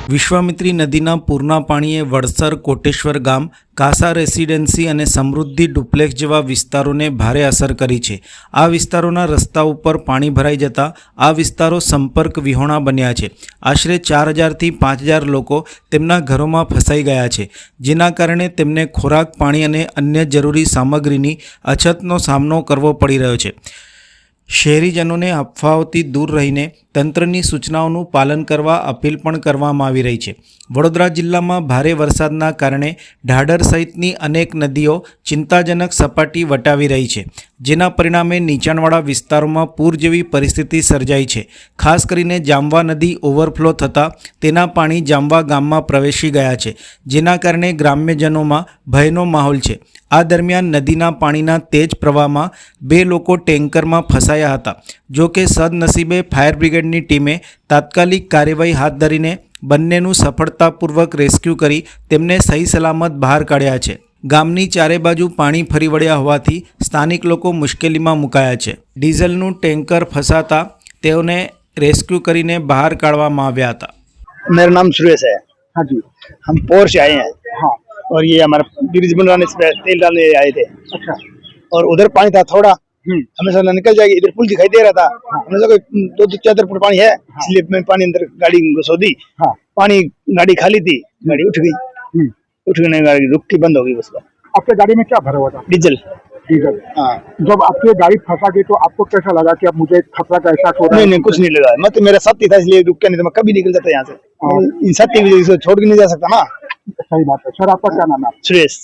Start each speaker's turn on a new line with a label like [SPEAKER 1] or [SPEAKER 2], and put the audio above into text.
[SPEAKER 1] વિશ્વામિત્રી નદીના પૂરના પાણીએ વડસર, કોટેશ્વર ગામ, કાસા રેસિડેન્સી અને સમૃદ્ધિ ડુપ્લેક્સ જેવા વિસ્તારોને ભારે અસર કરી છે। આ વિસ્તારોના રસ્તા ઉપર પાણી ભરાઈ જતા આ વિસ્તારો સંપર્ક વિહોણા બન્યા છે। આશરે 4000થી 5000 લોકો તેમના ઘરોમાં ફસાઈ ગયા છે, જેના કારણે તેમને ખોરાક, પાણી અને અન્ય જરૂરી સામગ્રીની અછતનો સામનો કરવો પડી રહ્યો છે। શહેરીજનોને અફવાઓથી દૂર રહીને તંત્રની સૂચનાઓનું પાલન કરવા અપીલ પણ કરવામાં આવી રહી છે। વડોદરા જિલ્લામાં ભારે વરસાદના કારણે ઢાઢર સહિતની અનેક નદીઓ ચિંતાજનક સપાટી વટાવી રહી છે, જેના પરિણામે નીચાણવાળા વિસ્તારોમાં પૂર જેવી પરિસ્થિતિ સર્જાઈ છે। ખાસ કરીને જામવા નદી ઓવરફ્લો થતાં તેના પાણી જામવા ગામમાં પ્રવેશી ગયા છે, જેના કારણે ગ્રામ્યજનોમાં ભયનો માહોલ છે। આ દરમિયાન નદીના પાણીના તેજ પ્રવાહમાં 2 લોકો ટેન્કરમાં ફસાયા હતા। જો કે સદનસીબે ફાયર બ્રિગેડની ટીમે તાત્કાલિક કાર્યવાહી હાથ ધરીને બંનેનું સફળતાપૂર્વક રેસ્ક્યુ કરી તેમને સહી સલામત બહાર કાઢ્યા છે। ગામની ચારે બાજુ પાણી ફરી વળ્યા હોવાથી સ્થાનિક લોકો મુશ્કેલીમાં મુકાયા છે। ડીઝલનું ટેન્કર ફસાતા તેઓને રેસ્ક્યુ કરીને બહાર કાઢવામાં આવ્યા હતા।
[SPEAKER 2] मेरा नाम सुरेश है।
[SPEAKER 3] हाँ जी।
[SPEAKER 2] हम पोर से आए हैं।
[SPEAKER 3] हाँ।
[SPEAKER 2] और ये हमारा ब्रिज बनवाने से तेल डालने आए थे।
[SPEAKER 3] अच्छा।
[SPEAKER 2] और उधर पानी था थोड़ा, हमें समझा निकल जाएगी, इधर पुल दिखाई दे रहा था। हमें लगा 2-4 फुट पानी है।
[SPEAKER 3] हाँ।
[SPEAKER 2] इसलिए मैं पानी अंदर गाड़ी घुसो दी।
[SPEAKER 3] हाँ।
[SPEAKER 2] पानी गाड़ी खाली थी, गाड़ी उठ गई। उठ गई, गाड़ी रुक के बंद हो गई। बस
[SPEAKER 3] आपके गाड़ी में क्या भरा हुआ था?
[SPEAKER 2] डीजल।
[SPEAKER 3] डीजल।
[SPEAKER 2] हाँ।
[SPEAKER 3] जब आपकी गाड़ी फंसा गई तो आपको कैसा लगा कि अब मुझे खतरा का एहसास हो रहा है?
[SPEAKER 2] नहीं, कुछ नहीं लगा। मैं तो मेरा साथी था, इसलिए रुक के, नहीं तो मैं कभी निकल जाता यहाँ से। इन साथी की वजह से छोड़ के नहीं जा सकता ना।
[SPEAKER 3] सही बात है। सर, आपका क्या नाम है?
[SPEAKER 2] सुरेश।